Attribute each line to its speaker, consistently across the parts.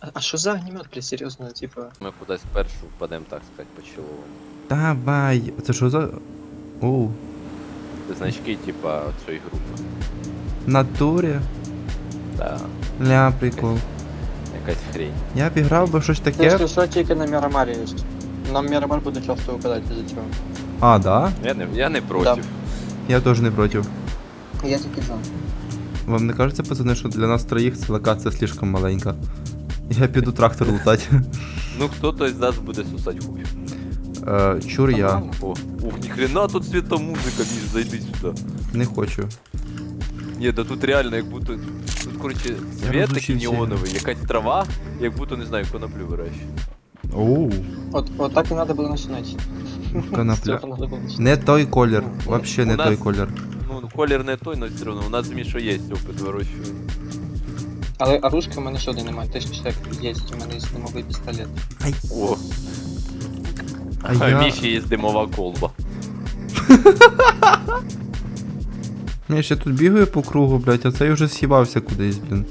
Speaker 1: А що за огнемет, блядь, серйозно, типа?
Speaker 2: Ми кудись першу впадемо, так сказати, по-чоловому.
Speaker 3: Давай. Це що за. Оу.
Speaker 2: Це значки, типа, цієї групи.
Speaker 3: В натурі.
Speaker 2: Да,
Speaker 3: Ля, прикол.
Speaker 2: якась хрень.
Speaker 3: Я б грав би щось таке.
Speaker 1: Якщо що, тільки на Мірамарі є. Нам Мірамар буде часто випадати за цього.
Speaker 3: А, да?
Speaker 2: Я не проти.
Speaker 3: Я теж не проти.
Speaker 1: Я тільки за.
Speaker 3: Вам не кажеться, пацани, що для нас троїх ця локація слишком маленька? Я піду трактор лутати.
Speaker 2: Ну хто-то із нас буде сусать хуй.
Speaker 3: Чур я.
Speaker 2: О, ух, ніхрена тут світомузика, Міш, зайди сюди.
Speaker 3: Не хочу.
Speaker 2: Ні, да тут реально, як будто. Тут, коротше, світ такий
Speaker 3: розучився.
Speaker 2: неоновий, якась трава, як будто, не знаю, коноплю вирощує.
Speaker 3: Оу.
Speaker 1: От так і треба було починати.
Speaker 3: Конопля.
Speaker 1: З цього надо було починати.
Speaker 3: Не той колір. Вообще не
Speaker 2: У нас-
Speaker 3: той колір.
Speaker 2: Ну, колір не той, але все одно. У нас з Мішою є опит вирощування.
Speaker 1: Але оружки в мене ще один немає, точніше як є, у мене є димовий пістолет.
Speaker 2: О,
Speaker 3: А
Speaker 2: а
Speaker 3: я...
Speaker 2: Міші є димова колба.
Speaker 3: Я ще тут бігаю по кругу, блядь, а цей вже з'їбався кудись, блін.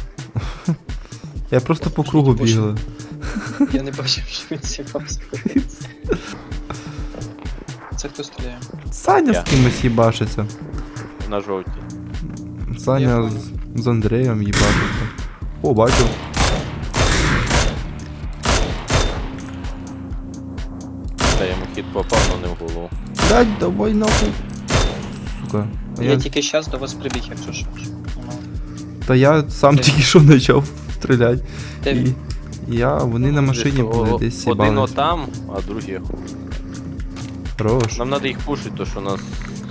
Speaker 3: Я просто по кругу бігаю.
Speaker 1: Я не бачив, що він з'їбався. Це хто стріляє?
Speaker 3: Саня
Speaker 2: Я.
Speaker 3: з кимось їбашиться.
Speaker 2: На жовтій.
Speaker 3: Саня з Андреєм їбашиться. О, бачу.
Speaker 2: Та йому хід попав, але не в голову.
Speaker 3: Блядь, давай нахуй. Сука. А
Speaker 1: Я тільки зараз до вас прибіг, якщо що.
Speaker 3: Та я сам
Speaker 1: Де?
Speaker 3: тільки що почав стріляти.
Speaker 1: Де
Speaker 3: І
Speaker 1: він?
Speaker 3: вони на машині
Speaker 2: Десь
Speaker 3: були десь
Speaker 2: один
Speaker 3: їбались.
Speaker 2: отам, а другий.
Speaker 3: Хорош.
Speaker 2: Нам треба їх пушити, то що у нас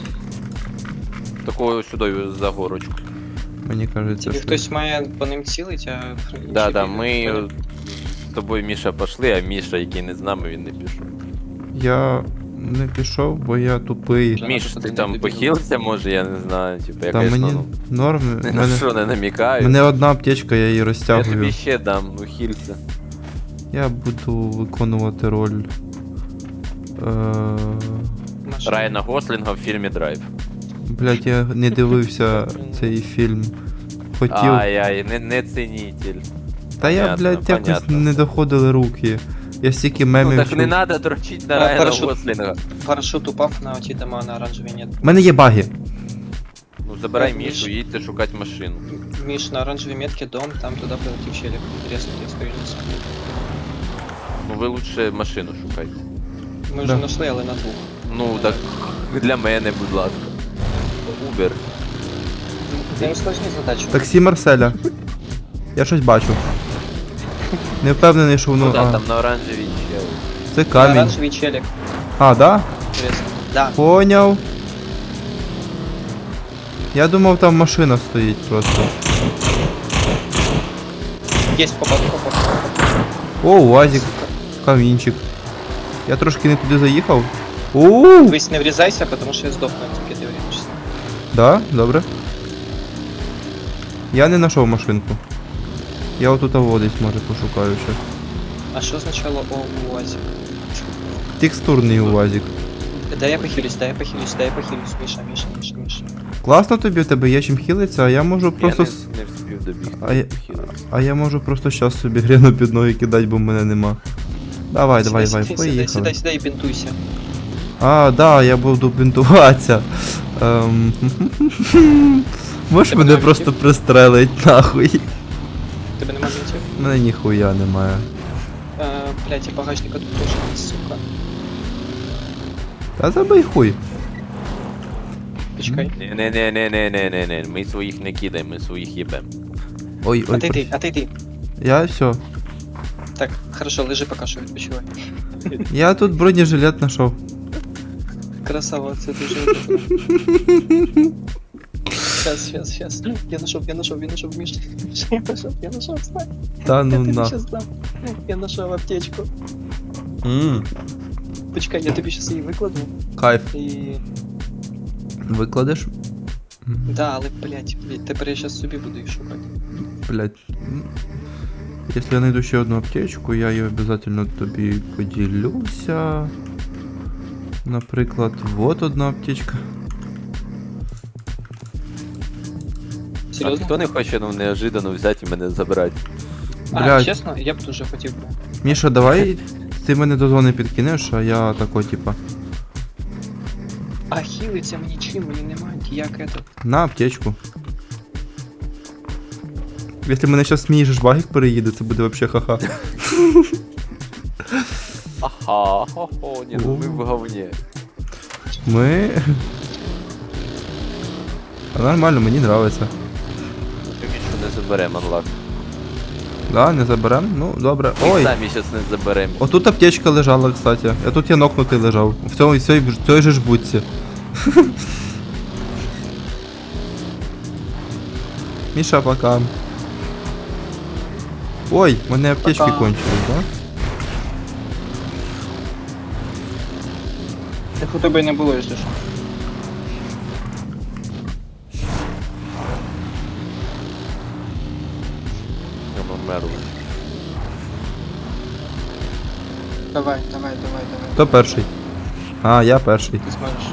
Speaker 2: такого сюди за горочку.
Speaker 3: Мені кажеться,
Speaker 1: Тільки
Speaker 3: що...
Speaker 1: хтось має по ним цілить, а...
Speaker 2: Да,
Speaker 1: інші
Speaker 2: да,
Speaker 1: бігають.
Speaker 2: ми з тобою, Міша, пішли, а Міша, який не з нами, він не пішов.
Speaker 3: Я не пішов, бо я тупий.
Speaker 1: Вже
Speaker 2: Міш,
Speaker 1: надо
Speaker 2: ти
Speaker 1: туди
Speaker 2: там
Speaker 1: не
Speaker 2: похилився, може, я не знаю, типу, я,
Speaker 3: Та
Speaker 2: конечно,
Speaker 3: мені
Speaker 2: ну,
Speaker 3: норм.
Speaker 2: ні на що не намікаю.
Speaker 3: Мене одна аптечка, я її
Speaker 2: Я
Speaker 3: розтягую.
Speaker 2: тобі ще дам, ну хілься.
Speaker 3: Я буду виконувати роль.
Speaker 1: Машина.
Speaker 2: Райана Гослінга в фільмі Драйв.
Speaker 3: Блять, я не дивився цей фільм. Хотів.
Speaker 2: Ай-ай, не цінитель.
Speaker 3: Та я,
Speaker 2: понятно,
Speaker 3: блядь, якось
Speaker 2: понятно.
Speaker 3: не доходили руки. Я стільки
Speaker 2: Ну
Speaker 3: мемів
Speaker 2: так
Speaker 3: чув.
Speaker 2: не треба дрочити на
Speaker 1: А,
Speaker 2: Райана
Speaker 1: парашут.
Speaker 2: Гослінга.
Speaker 1: Парашют упав на оті дома на оранжевій нет.
Speaker 3: У мене є баги.
Speaker 2: Ну забирай
Speaker 1: Так,
Speaker 2: Мішу,
Speaker 1: Міш.
Speaker 2: їдьте шукати машину.
Speaker 1: Міш, на оранжевій метці дом, там туди прилетів челік. Резко, я стою на собі.
Speaker 2: Ну ви лучше машину шукайте.
Speaker 1: Ми вже
Speaker 3: Да.
Speaker 1: знайшли, але на двох.
Speaker 2: Ну так для мене, будь ласка. Убер.
Speaker 1: Це не складні задачі.
Speaker 3: Таксі Марселя. Я щось бачу. Не впевнений, що воно.
Speaker 2: Ну да,
Speaker 3: А,
Speaker 2: там на оранжевій чел.
Speaker 3: це
Speaker 1: На
Speaker 3: камінь.
Speaker 1: оранжевій челік.
Speaker 3: А, да?
Speaker 1: Резко. Да.
Speaker 3: Поняв. Я думав, там машина стоїть просто.
Speaker 1: Есть попад.
Speaker 3: О, УАЗик. Камінчик. Я трошки не туди заїхав. Оу!
Speaker 1: Вись не врізайся, потому що я здохну, тільки ти вріжешся.
Speaker 3: Да, добре. Я не знайшов машинку. Я отут водись, може, пошукаю ще.
Speaker 1: А що означало о УАЗі?
Speaker 3: Текстурний УАЗик.
Speaker 1: Дай я похилюсь, Міша.
Speaker 3: Класно тобі, у тебе є чим хілиться, а я можу просто.
Speaker 2: Я не встиг добігти.
Speaker 3: А я-
Speaker 2: Хілитися.
Speaker 3: А я можу просто щас собі гріну під ноги кидати, бо в мене нема. Давай, поїхали.
Speaker 1: Сідай і бінтуйся.
Speaker 3: А, да, я буду бінтуватися. Можеш
Speaker 1: Тебе
Speaker 3: мене
Speaker 1: нема
Speaker 3: просто
Speaker 1: бінтів?
Speaker 3: пристрелить нахуй.
Speaker 1: Тебе нема бінтів?
Speaker 3: У мене ніхуя немає.
Speaker 1: Блять, і багажника тут теж, сука.
Speaker 3: Та забий хуй.
Speaker 1: Почекай.
Speaker 2: Не, ми своїх не кидаємо, ми своїх їбем.
Speaker 3: Ой, ой.
Speaker 1: Отойди.
Speaker 3: Я все.
Speaker 1: Так, хорошо, лежи поки що, відпочивай.
Speaker 3: Я тут бронежилет знайшов.
Speaker 1: Красава, це дуже. Сейчас. Я нашов, Міш. Я нашов, встань.
Speaker 3: Та
Speaker 1: Я
Speaker 3: ну
Speaker 1: тобі
Speaker 3: на.
Speaker 1: щас дам. Я нашов аптечку. Почекай, я тобі щас її викладу.
Speaker 3: Кайф.
Speaker 1: І...
Speaker 3: Викладеш?
Speaker 1: Да, але, блять, тепер я щас собі буду їх шукати.
Speaker 3: Блять. Если я найду ще одну аптечку, я її обязательно тобі поділюся. Наприклад, вот одна аптечка.
Speaker 2: А
Speaker 1: Серйозно?
Speaker 2: хто не хоче, ну, неожиданно взяти і мене забрати?
Speaker 3: Блядь.
Speaker 1: чесно, я б дуже хотів би.
Speaker 3: Міша, давай ти мене до зони підкинеш, а я тако, типа.
Speaker 1: А хілиться мені чим, мені немає як это.
Speaker 3: На аптечку. Якщо мене зараз смієш, багік переїде, це буде вообще ха-ха.
Speaker 2: Ага, хо-хо, ні, ну ми в говні.
Speaker 3: Ми. А нормально, мені нравиться.
Speaker 2: Тільки що не заберемо анлак.
Speaker 3: Да, не заберем? Ну, добре.
Speaker 2: Ми
Speaker 3: Ой!
Speaker 2: самі зараз не заберемо.
Speaker 3: Отут аптечка лежала, кстати. А тут я нокнутий лежав. В цій же ж будці. Міша, пока. Ой, в мене аптечки
Speaker 1: Пока.
Speaker 3: кончились, да?
Speaker 1: Так у тебе й не було, якщо що.
Speaker 2: Я померли.
Speaker 1: Давай.
Speaker 3: Хто перший? А, я перший.
Speaker 1: Ти зможеш.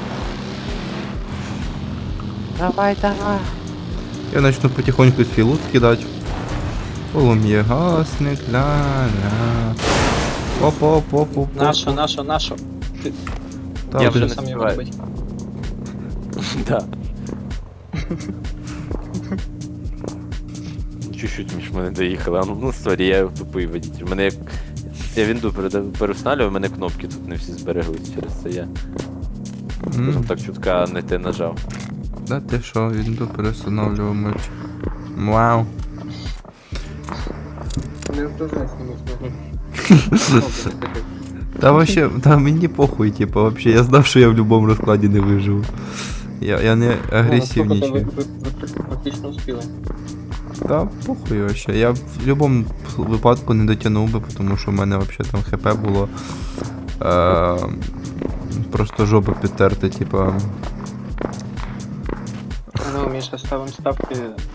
Speaker 2: Давай.
Speaker 3: Я начну потихоньку свій лут кидати. Полум'є гасник, ля-ля. Оп-оп-оп-оп.
Speaker 1: Нашу. Ти
Speaker 3: Та,
Speaker 2: Я
Speaker 3: ти
Speaker 2: вже
Speaker 3: ж-
Speaker 2: не
Speaker 1: сам його
Speaker 2: співаю.
Speaker 1: робить.
Speaker 2: Да. Чуть-чуть між мене доїхали, а ну сорі, я тупий водитель. Мене як... Я вінду переустанавливаю, у мене кнопки тут не всі збереглись, через це я. Скажем так, чутка не те нажав.
Speaker 3: Да ти що, він тут перестановлював меч. Вау.
Speaker 1: Не вдовжайся, не
Speaker 3: Та вообще, та мені похуй, типа, вообще, я знав, що я в будь-якому розкладі не виживу. Я не агресивничаю.
Speaker 1: Ви практично успіли.
Speaker 3: Та похуй вообще. Я в будь-якому випадку не дотягнув би, тому що в мене вообще там хп було. Просто жопа підтерти, типа.
Speaker 1: Ну, Міша, ставимо ставки.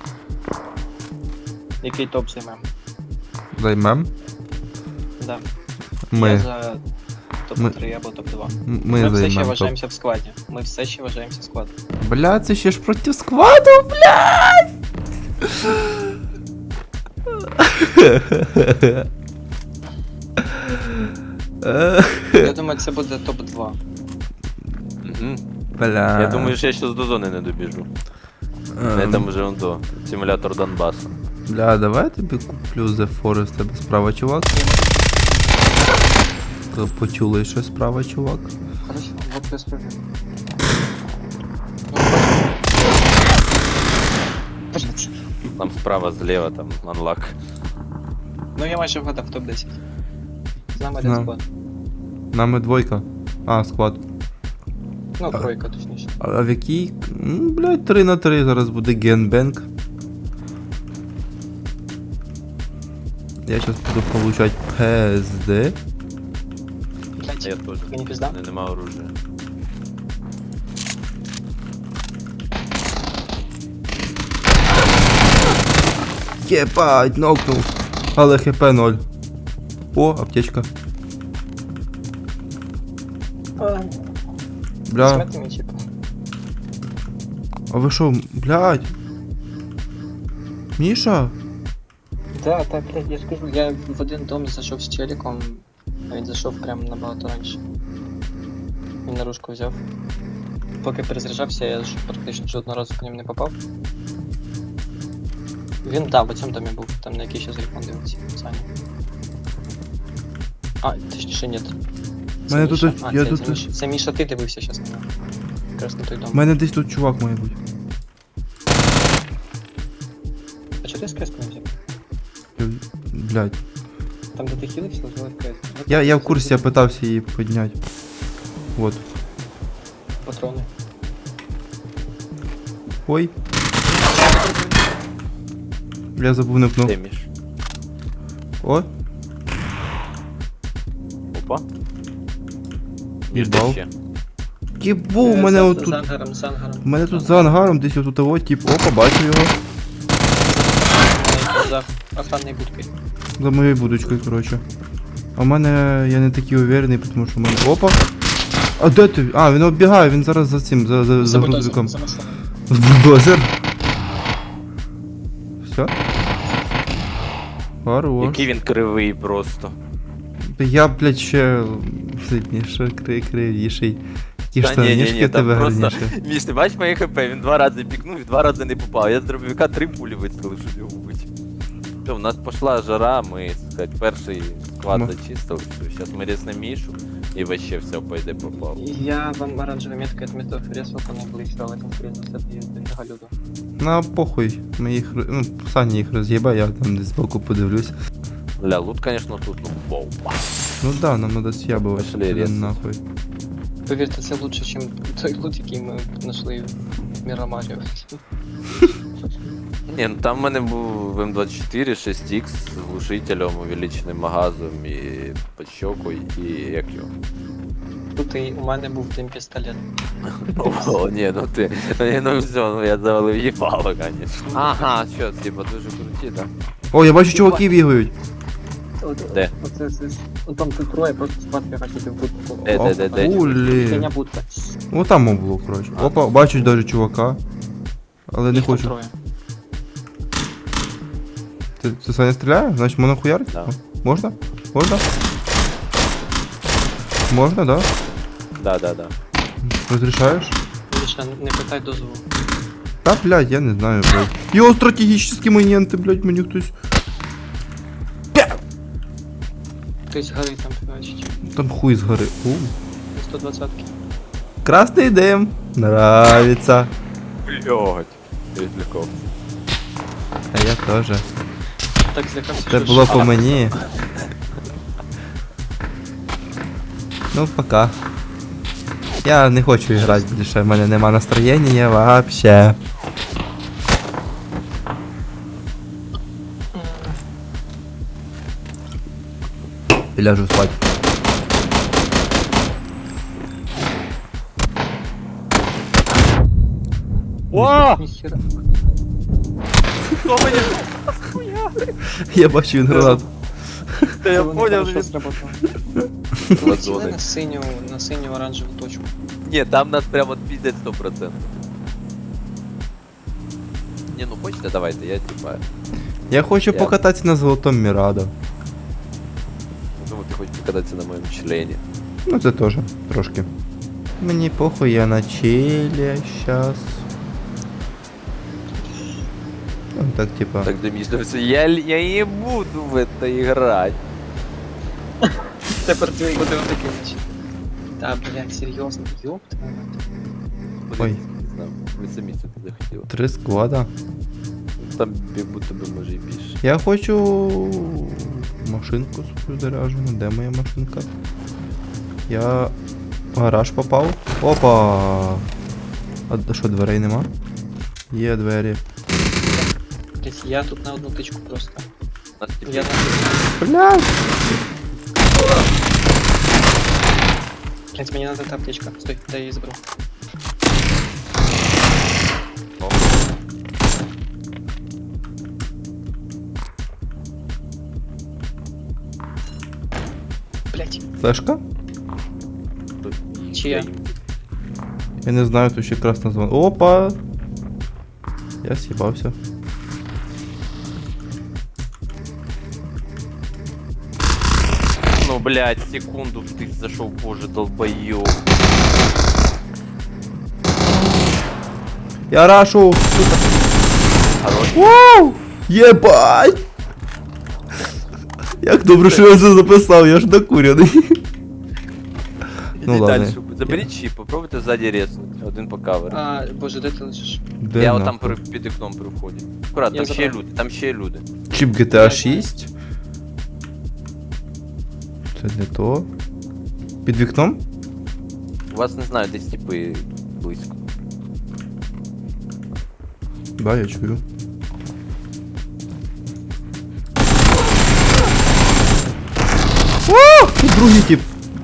Speaker 1: Який топ займем?
Speaker 3: Займем.
Speaker 1: Да.
Speaker 3: Ми.
Speaker 1: Я за топ-3 або топ-2.
Speaker 3: Ми
Speaker 1: Ми все ще
Speaker 3: займем. топ.
Speaker 1: вважаємося в складі. Ми все ще вважаємося в складі.
Speaker 3: Бля, це ще ж проти складу, блядь!
Speaker 1: Я думаю, це буде топ-2.
Speaker 2: Угу.
Speaker 3: Бля.
Speaker 2: Я думаю, що я щас до зони не добіжу. Я там вже он до. Симулятор Донбасу.
Speaker 3: Бля, давай я тобі куплю The Forest, тебе справа, чувак. Почули, що справа, чувак.
Speaker 1: Хорошо, вот без проблем.
Speaker 2: Там справа, зліва, там анлак.
Speaker 1: Ну я майже вгадав топ-10. З нами
Speaker 3: Да.
Speaker 1: один склад.
Speaker 3: Нами двойка. А, склад.
Speaker 1: Ну, тройка, точніше.
Speaker 3: А в якій? Блядь, 3 на 3 зараз буде генбенк. Я сейчас буду получать ПСД.
Speaker 2: А
Speaker 1: Блять,
Speaker 2: я теж.
Speaker 1: ти не пізда?
Speaker 2: У мене нема оружия.
Speaker 3: Єбать, нокнув. Але хп 0. О, аптечка. Бля.
Speaker 1: Смерти мій чіп.
Speaker 3: А ви що, блядь? Міша?
Speaker 1: Да, так, я скажу, я в один дом зайшов з челіком, а він зайшов прямо набагато раніше. Він наружку взяв. Поки перезаряджався, я ж практично жодного разу по ним не попав. Він, да, в цьому домі був, там на який ще телефон дивився, Саня. А, точніше, ні.
Speaker 3: Мене тут- я
Speaker 1: це,
Speaker 3: тут-
Speaker 1: Міша, це Міша, ти дивився щас на нього. Якраз на той дом.
Speaker 3: У мене десь тут чувак має бути.
Speaker 1: А чого ти скреску не взяв?
Speaker 3: Блядь.
Speaker 1: Там, де ти хілився, звали крест.
Speaker 3: Я в курсі, я питався її підняти. Вот.
Speaker 1: Патрони.
Speaker 3: Ой. Я забув не пнув.
Speaker 2: Де між?
Speaker 3: О,
Speaker 2: Опа. Між
Speaker 3: Їбав.
Speaker 2: де ще?
Speaker 3: Єбу, у мене отут.
Speaker 1: З ангаром, з ангаром.
Speaker 3: У мене тут за ангаром десь отут того, тип, опа, бачу його.
Speaker 1: За охранною будкою.
Speaker 3: За моєю будочкою, коротше. А в мене я не такий уверений, тому що в мене. Опа! А де ти? А, він оббігає, він зараз за цим, за грузовиком.
Speaker 1: За машиною.
Speaker 3: З бульдозер. Все? Хорош.
Speaker 2: Який він кривий просто.
Speaker 3: Я, блядь, ще сильніше, кривіший. Ті
Speaker 2: Та
Speaker 3: штанішки
Speaker 2: там
Speaker 3: тебе
Speaker 2: просто...
Speaker 3: гарніше.
Speaker 2: Міш, ти бачиш моє хп, він 2 рази пікнув і 2 рази не попав. Я з дробовика 3 пулі вистрілив, щоб його вбити. Все, у нас пішла жара, ми, так сказати, перший склад
Speaker 3: Ну.
Speaker 2: зачистили. Зараз ми ріснемо Мішу і вообще все пойде попав.
Speaker 1: Я вам оранжевой меткой отметил фресу, по не было еще в этом скрине, кстати, дофига люду.
Speaker 3: На похуй. Ми їх, ну, Саня їх роз'єбає, я там десь збоку подивлюсь.
Speaker 2: Ля, лут, конечно, тут, ну, бомба.
Speaker 3: Ну да, нам надо съябывать.
Speaker 2: Пошли резать.
Speaker 1: Нахуй. Поверьте, це лучше, чем той лут, який ми знайшли в Мірамарі.
Speaker 2: Ні, ну там в мене був М24, 6Х з глушителем, увеличеним магазом і подщокою, і як його.
Speaker 1: Тут і у мене був тим пістолет.
Speaker 2: О, ні, ну ти, ну все, ну я завалив їбало, конечно. Ага, що, типа дуже круті, так?
Speaker 3: О, я бачу, чуваки бігають.
Speaker 2: Де?
Speaker 1: Там тут троє, просто спадки хотіти в будку.
Speaker 2: Де?
Speaker 3: Хулі.
Speaker 1: Фігня будка.
Speaker 3: Ну там мов було, коротше. Опа, бачу даже чувака. Але не
Speaker 1: Їх там
Speaker 3: хочу.
Speaker 1: троє.
Speaker 3: Ти Саня стріляє? Значить можна хуярити?
Speaker 2: Да.
Speaker 3: Можна? Можна? Можна, да?
Speaker 2: Да.
Speaker 3: Розрішаєш?
Speaker 1: Міша, не питай дозволу.
Speaker 3: Та, блядь, я не знаю, блядь. Йо, стратегічні моменти, блядь, мені хтось.
Speaker 1: Хтось горить там, бачить.
Speaker 3: Там хуй згори.
Speaker 1: 120-ки.
Speaker 3: Красний дим. Нравится.
Speaker 2: Блядь, відлікався.
Speaker 3: А я теж.
Speaker 1: Так злякався,
Speaker 3: Це
Speaker 1: що
Speaker 3: було
Speaker 1: ж-
Speaker 3: по мені. Ну, пока. Я не хочу грати більше, в мене нема настроєння вообще. І ляжу спать.
Speaker 2: О!
Speaker 1: Ніхера.
Speaker 2: Хто мені?
Speaker 3: Я бачу він гранату.
Speaker 2: Та я
Speaker 1: Воно
Speaker 2: поняв,
Speaker 1: хорошо
Speaker 2: він...
Speaker 1: сработало.
Speaker 2: Ладони.
Speaker 1: Полетіли на синю оранжеву точку.
Speaker 2: Ні, там нас прямо відпіздять 100%. Ні, ну хочете, давайте, я типа...
Speaker 3: Я хочу
Speaker 2: Я-
Speaker 3: покататися на золотому Мірадо.
Speaker 2: Думаю, ти хочеш покататися на моєму члені.
Speaker 3: Ну це теж, трошки. Мені похуй, я на чилі щас. Ну так типа.
Speaker 2: Так домішлився, я не буду в это играть.
Speaker 1: Тепер ти буде отакий, значить. Та, блядь, серйозно, ёб твою мать.
Speaker 3: Ой.
Speaker 2: Не знаю, ви самі це захотіли.
Speaker 3: 3 склада.
Speaker 2: Там як будто би може і більше.
Speaker 3: Я хочу машинку свою заряджену. Де моя машинка? Я в гараж попав. Опа! А що, дверей нема? Є двері.
Speaker 1: Блядь, я тут на одну тичку просто.
Speaker 2: Нас типу,
Speaker 1: Я на...
Speaker 3: Блядь!
Speaker 1: Блядь, мені надо та аптечка. Стой, дай я її заберу.
Speaker 2: О.
Speaker 1: Блядь,
Speaker 3: Флешка?
Speaker 2: тут
Speaker 1: чия?
Speaker 3: Я не знаю, тут ще красна звон. Опа! Я съебався.
Speaker 2: Ну, блядь, секунду ты зашел, боже, долбоёб.
Speaker 3: Я рашу!
Speaker 2: Хорош.
Speaker 3: Вау! Єбать! Як добре, що я це записав, я ж накуряний. Ну
Speaker 2: Иди
Speaker 3: ладно.
Speaker 2: дальше. Заберіть чіп, попробуйте ззаді резнути. Один по каверу.
Speaker 1: А, боже, де ти лежиш?
Speaker 3: Де
Speaker 2: Я
Speaker 3: нахуй?
Speaker 2: отам під вікном при вході. Аккуратно,
Speaker 1: Я
Speaker 2: там ще є
Speaker 1: забрав.
Speaker 2: люди, там ще є люди.
Speaker 3: Чіп GTA 6. Це не то. Під вікном?
Speaker 2: У вас, не знаю, десь типи близько.
Speaker 3: Да, я чую. О! Тут другий тип.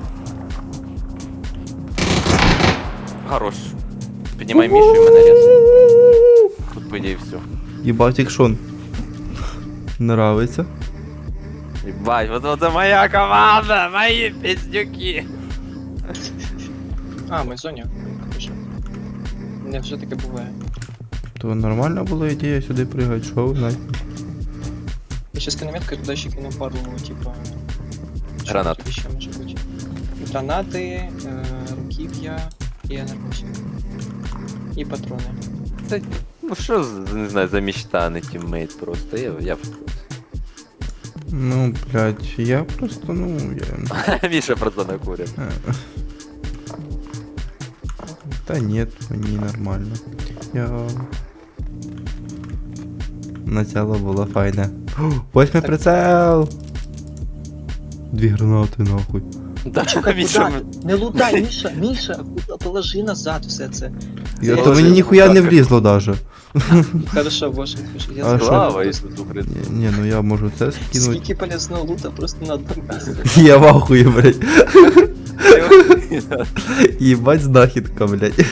Speaker 2: Хорош. Піднімай Мішу і мене рез. Тут по ідеї все.
Speaker 3: Єбать, екшон. Нравиться.
Speaker 2: Ебать, вот это моя команда, мои пиздюки.
Speaker 1: А, ми в зоні. Хорошо. Не вже таке буває.
Speaker 3: То нормальна була ідея сюди пригати, що ви знаєте.
Speaker 1: Сейчас кинометка, туда ще кину пару, типа... що
Speaker 2: Гранат.
Speaker 1: тут ще може бути? Гранати, руків'я і енергосик. І патрони.
Speaker 2: Це, ну що, не знаю, за мечта, не тіммейт просто. Я в курсі.
Speaker 3: Ну, блядь, я просто, ну, я...
Speaker 2: Міша просто накурив.
Speaker 3: Та нет, мені нормально. Я... Начало було файне. Ось мій
Speaker 1: Так.
Speaker 3: прицел! 2 гранати, нахуй.
Speaker 2: Да, Міша,
Speaker 1: Не лутай, Міша, положи назад все це.
Speaker 3: Я,
Speaker 1: Я
Speaker 3: то
Speaker 1: вже
Speaker 3: мені
Speaker 1: не
Speaker 3: ніхуя не
Speaker 2: так.
Speaker 3: влізло даже.
Speaker 1: Хорошо, боже, я
Speaker 3: А
Speaker 1: забув.
Speaker 3: що?
Speaker 2: слава Ісусу Христу.
Speaker 3: Ні, ну я можу це скинути.
Speaker 1: Скільки полезного лута просто на одному місці.
Speaker 3: Я в ахуї, блядь. Єбать знахідка, блядь.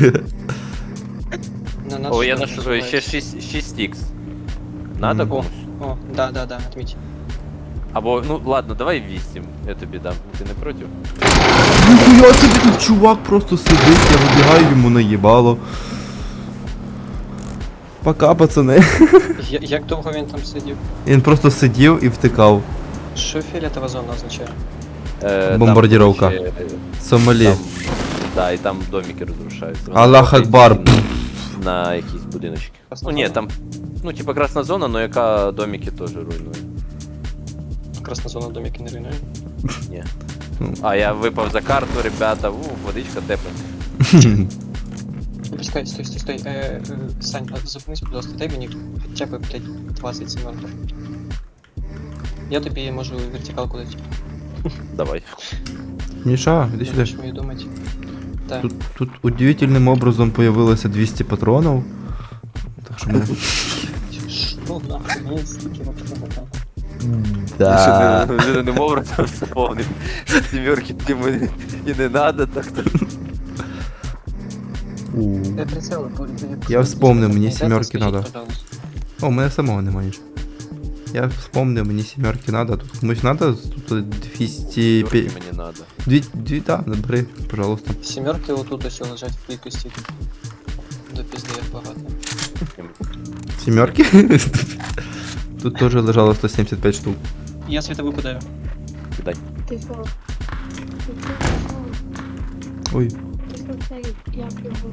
Speaker 1: На нас
Speaker 2: О, я
Speaker 1: що
Speaker 2: нашел ще
Speaker 1: називається?
Speaker 2: 6х. Надо
Speaker 3: Мгм.
Speaker 2: комусь?
Speaker 1: О, да, отміть.
Speaker 2: Або, ну ладно, давай 8, я тобі дам. Ти не проти?
Speaker 3: Ніхуя собі тут чувак просто сидить, я вибігаю йому наїбало. Пока, пацани.
Speaker 1: Як довго він там сидів?
Speaker 3: Він просто сидів і втикав.
Speaker 1: Що фіолетова зона означає?
Speaker 3: Бомбардировка.
Speaker 2: Там,
Speaker 3: Сомалі.
Speaker 2: там, да, і там домики розрушаються. Вони
Speaker 3: Аллах
Speaker 2: заходять
Speaker 3: Акбар.
Speaker 2: На якісь будиночки.
Speaker 1: Красна
Speaker 2: Ну ні,
Speaker 1: зона?
Speaker 2: там, ну типа красна зона, но яка домики теж руйнує.
Speaker 1: Красна зона домики не руйнує.
Speaker 2: Ні.
Speaker 3: Ну.
Speaker 2: А я випав за карту, ребята, водичка тепла.
Speaker 1: Почекай, стой. Сань, зупинись, будь ласка, дай мені хоча б, блядь, 20 сімерків. Я тобі можу вертикалку дати.
Speaker 2: Давай.
Speaker 3: Міша, іди
Speaker 1: Не
Speaker 3: сюди.
Speaker 1: будеш мою думати. Так.
Speaker 3: Тут удивительним образом появилося 200 патронів. Так що ми...
Speaker 1: Що нахуй, мені стільки вопросов там.
Speaker 3: Да.
Speaker 2: Жирним образом вспомнив, що сімерки йому і не надо, так то.
Speaker 1: Прицели,
Speaker 3: Я вспомнив, мені сімерки надо. О, у мене самого немає нічого. Я вспомнив, мені сімерки надо. Тут комусь надо? Тут 200...
Speaker 2: Сімерки мені надо.
Speaker 3: Да, набери, пожалуйста.
Speaker 1: Сімерки отут ось лежать в кількості. До пізди як багато.
Speaker 3: Сімерки? Тут теж лежало 175 штук.
Speaker 1: Я світову кидаю.
Speaker 2: Кидай.
Speaker 4: Ти що? Ти що?
Speaker 3: Ой,
Speaker 4: Ти що цей, як його?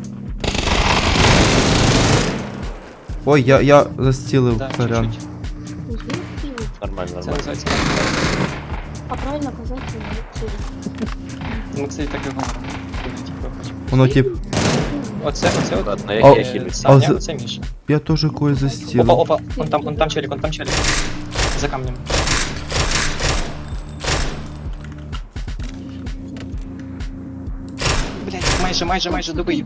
Speaker 3: ой, я застілив,
Speaker 1: Да,
Speaker 3: сорян.
Speaker 1: чуть-чуть.
Speaker 4: Звідки?
Speaker 2: Нормально,
Speaker 1: Це
Speaker 2: нормально.
Speaker 1: називається.
Speaker 4: А правильно казати, звідки?
Speaker 1: Ми це і так і говоримо. Коли типу хочемо.
Speaker 3: Воно тип,
Speaker 1: Оце от.
Speaker 2: Ладно,
Speaker 3: А-
Speaker 2: я хілю.
Speaker 1: Саня,
Speaker 3: а
Speaker 1: оце Міша.
Speaker 3: я теж когось застілив.
Speaker 1: Опа, он там челик. За камнем. Блять, майже добив.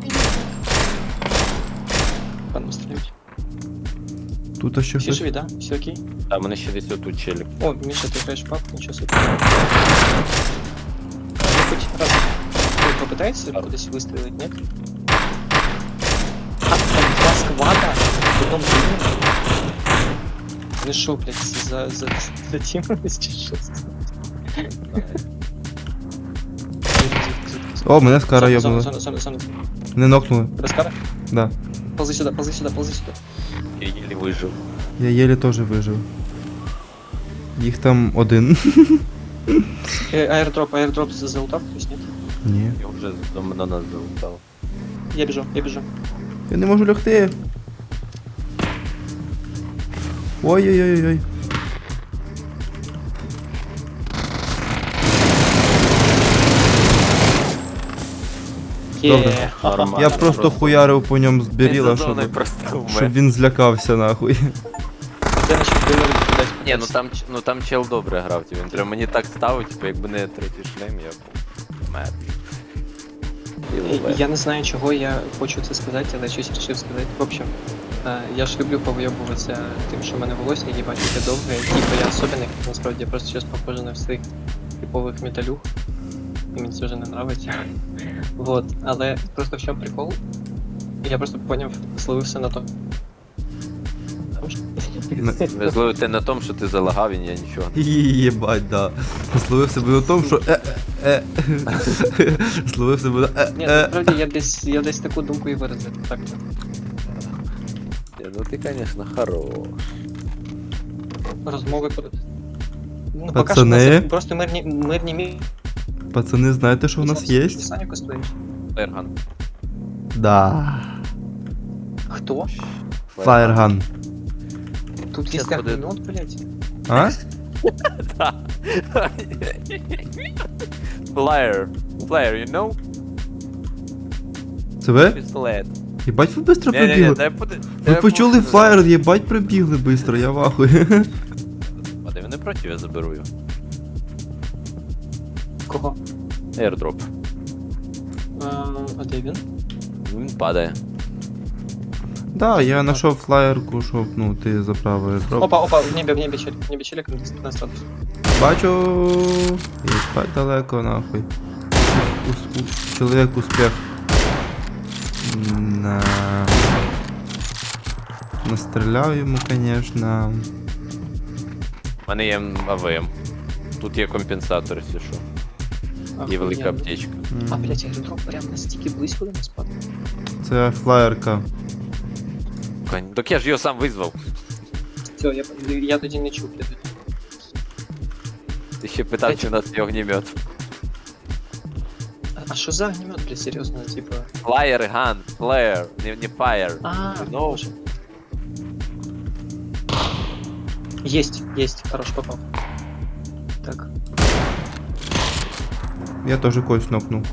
Speaker 1: Пану стрілять.
Speaker 3: Тут ще
Speaker 1: Всі
Speaker 3: щось.
Speaker 1: живі, да? Все окей?
Speaker 2: А мене ще десь отут челік.
Speaker 1: О, Міша, ти граєш в папку, нічого собі. Ну, хоч раз попитаєшся кудись вистрілити, ні? А, там два сквада, потом один. Ну шо, блядь, за тімились чи що?
Speaker 3: О, мене скара йобнула.
Speaker 1: Зона.
Speaker 3: Не нокнули.
Speaker 1: Тебе скара?
Speaker 3: Да.
Speaker 1: Ползи сюда.
Speaker 2: Я їлі вижив.
Speaker 3: Я єлі теж вижив. Їх там один.
Speaker 1: Аирдроп залутав, хтось, нет?
Speaker 3: Ні.
Speaker 2: Я вже до нас залутав.
Speaker 1: Я біжу.
Speaker 3: Я не можу лягти. Ой-ой-ой-ой. Добре.
Speaker 2: Нормально.
Speaker 3: Я просто хуярив по ньому з біріла,
Speaker 2: Він за зоною
Speaker 3: щоб,
Speaker 2: просто вмер.
Speaker 3: щоб він злякався нахуй.
Speaker 1: Де наші дилери кудись?
Speaker 2: Ні, ну там чел добре грав, він прям мені так ставив, типу, якби не третій шлем, я був мер.
Speaker 1: Я не знаю, чого я хочу це сказати, але щось вирішив сказати. В общем, я ж люблю повийобуватися тим, що в мене волосся їбать таке довге, типу я особенний, насправді я просто зараз похожий на всіх типових металюх. І мені це вже не нравиться. Вот, але просто в чому прикол? Я просто поняв, словився на то.
Speaker 2: Везло ти на тому, що ти залагав, і я нічого.
Speaker 3: Єбать, да. Словив себе на тому, що Словив себе на
Speaker 1: Ні, насправді я десь таку думку і виразив. Так.
Speaker 2: Ну ти, звісно, хорош.
Speaker 1: Розмови про... Ну,
Speaker 3: Пацани?
Speaker 1: просто мирні мі...
Speaker 3: Пацани, знаєте, що в нас є?
Speaker 1: Саніку стоїш.
Speaker 2: Фаєрган.
Speaker 3: Да.
Speaker 1: Хто?
Speaker 3: Фаєрган.
Speaker 1: Тут
Speaker 2: Щас
Speaker 1: есть
Speaker 2: буде.
Speaker 1: огнемет, блядь.
Speaker 3: А?
Speaker 2: Flyer. Flyer, you know?
Speaker 3: Це ви?
Speaker 2: Пістолет.
Speaker 3: Єбать, ви швидко
Speaker 2: Не-не-не,
Speaker 3: прибігли.
Speaker 2: дай буде.
Speaker 3: Ви почули флаєр, єбать, прибігли швидко, я вахую.
Speaker 2: А де вони проти, я заберу його.
Speaker 1: Кого?
Speaker 2: Airdrop.
Speaker 1: А де він?
Speaker 2: Він падає.
Speaker 3: Да, я знайшов флаєрку, щоб, ну, ти заправив дроп.
Speaker 1: Опа, в небі челик на статус.
Speaker 3: Бачу. Єбать далеко, нахуй. Чоловік успіх. На... Настріляв йому, конечно.
Speaker 2: У мене є АВМ. Тут є компенсатор, якщо що. І велика
Speaker 1: Охуєнно.
Speaker 2: аптечка.
Speaker 1: А, блядь, аеродроп прям настільки близько до нас падає.
Speaker 3: Це флаєрка.
Speaker 2: Так я ж його сам визвав.
Speaker 1: Все, я тоді не чув, я тоді.
Speaker 2: Ти ще питав, чи в нас є огнемет.
Speaker 1: А що за огнемет, блядь, серйозно, типа...
Speaker 2: Flyer, gun, flare, не fire.
Speaker 1: А,
Speaker 2: Ну.
Speaker 1: боже. Есть, хорош, попал. Так,
Speaker 3: Я теж когось нокнув.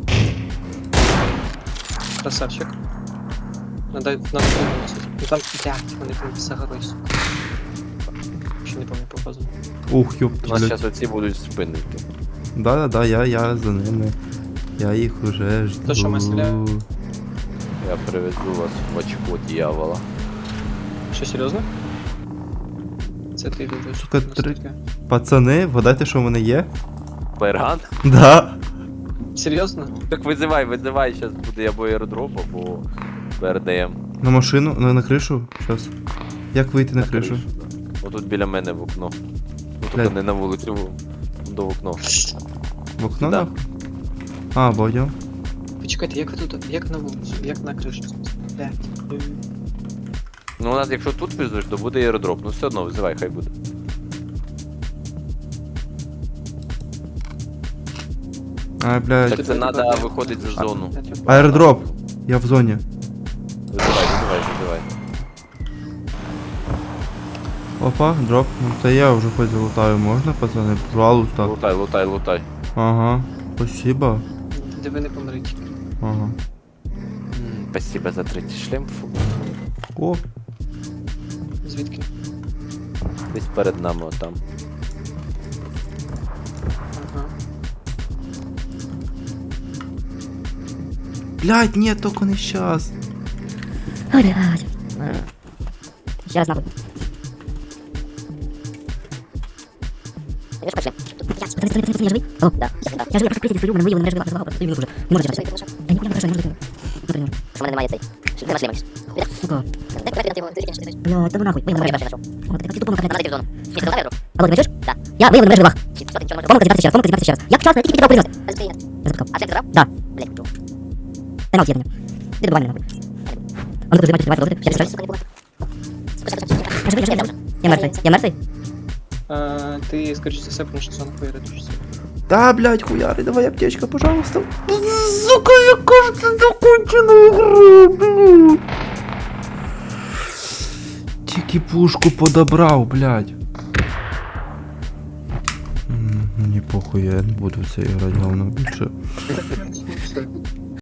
Speaker 1: красавчик. Надо выносить. Ну там, блядь, вони там за горой, сука. Вообще не помню по фазу.
Speaker 3: Ух, ёп,
Speaker 2: У нас
Speaker 3: блядь.
Speaker 2: зараз оці будуть спинити.
Speaker 3: Да-да-да, я за ними. Я їх уже жду.
Speaker 1: То, що ми стріляємо?
Speaker 2: Я привезу вас в очко дьявола.
Speaker 1: Що, серйозно? Це ти дуже.
Speaker 3: Сука, Пацани, вгадайте, що в мене є?
Speaker 2: Фаєрган?
Speaker 3: Да.
Speaker 1: Серйозно?
Speaker 2: Так визивай, зараз буде або аеродроп, або БРДМ.
Speaker 3: На машину, на кришу? Щас. Як вийти на кришу?
Speaker 2: Да. Отут біля мене в окно. Ну,
Speaker 3: Блядь.
Speaker 2: тут не на вулицю, до окно.
Speaker 3: В окно?
Speaker 2: Да.
Speaker 3: нахуй? А, бачу.
Speaker 1: Почекайте, як ви тут, як на вулицю, як на кришу? Блядь.
Speaker 2: Ну у нас якщо тут визвеш, то буде аеродроп. Ну все одно визивай, хай буде.
Speaker 3: Ай, блядь.
Speaker 2: Так це треба виходити за зону.
Speaker 3: Аеродроп. Я в зоні.
Speaker 2: Визивай.
Speaker 3: Опа, дроп. Ну це я вже хоч залутаю. Можна, пацани? Пожалуйста.
Speaker 2: Лутай.
Speaker 3: Ага. Спасибо.
Speaker 1: Де ви не помрите.
Speaker 3: Ага.
Speaker 2: Спасибо за третій шлем. Фу.
Speaker 3: О,
Speaker 1: Звідки?
Speaker 2: Десь перед нами отам.
Speaker 1: Ага.
Speaker 3: блядь, ні, тільки не щас.
Speaker 5: Ой, блядь. Ще раз нахуй. Я ж пошли. Я живий? Алло, да. Я живий, я просто критик стою, мене виявили, мене живий, просто стою минуту вже. Не можу зачекати. Я нікуди не прошу, не можу. Ну, прийму. Що в мене немає цей. Де наш лімакс? Сука. Бля, та ну нахуй, виявили мене живих. О, ти тупо наконец. Надо йти в зону. Місто давай, Алло, ти бачиш? Да. Я виявив мене живих. Комната зібратися ще раз. Я вчасно, я тільки підібрав прийняти. Я запускав. А це ти забрав? Да. Блядь, чого? Пеналті є мене. Ти добивай мене нахуй. А ну тут займайтесь, давайте, я пішов. Я живий, я мертвий. Я мертвий?
Speaker 1: Ти, скоріше за все, тому що сон поїредишся.
Speaker 3: Да, блядь, хуяри, давай аптечка, пожалуйста. Сука, я кажется, закончена игра, блядь. Тільки пушку подобрав, блядь. Мені похуй, я не буду в це грати говно більше.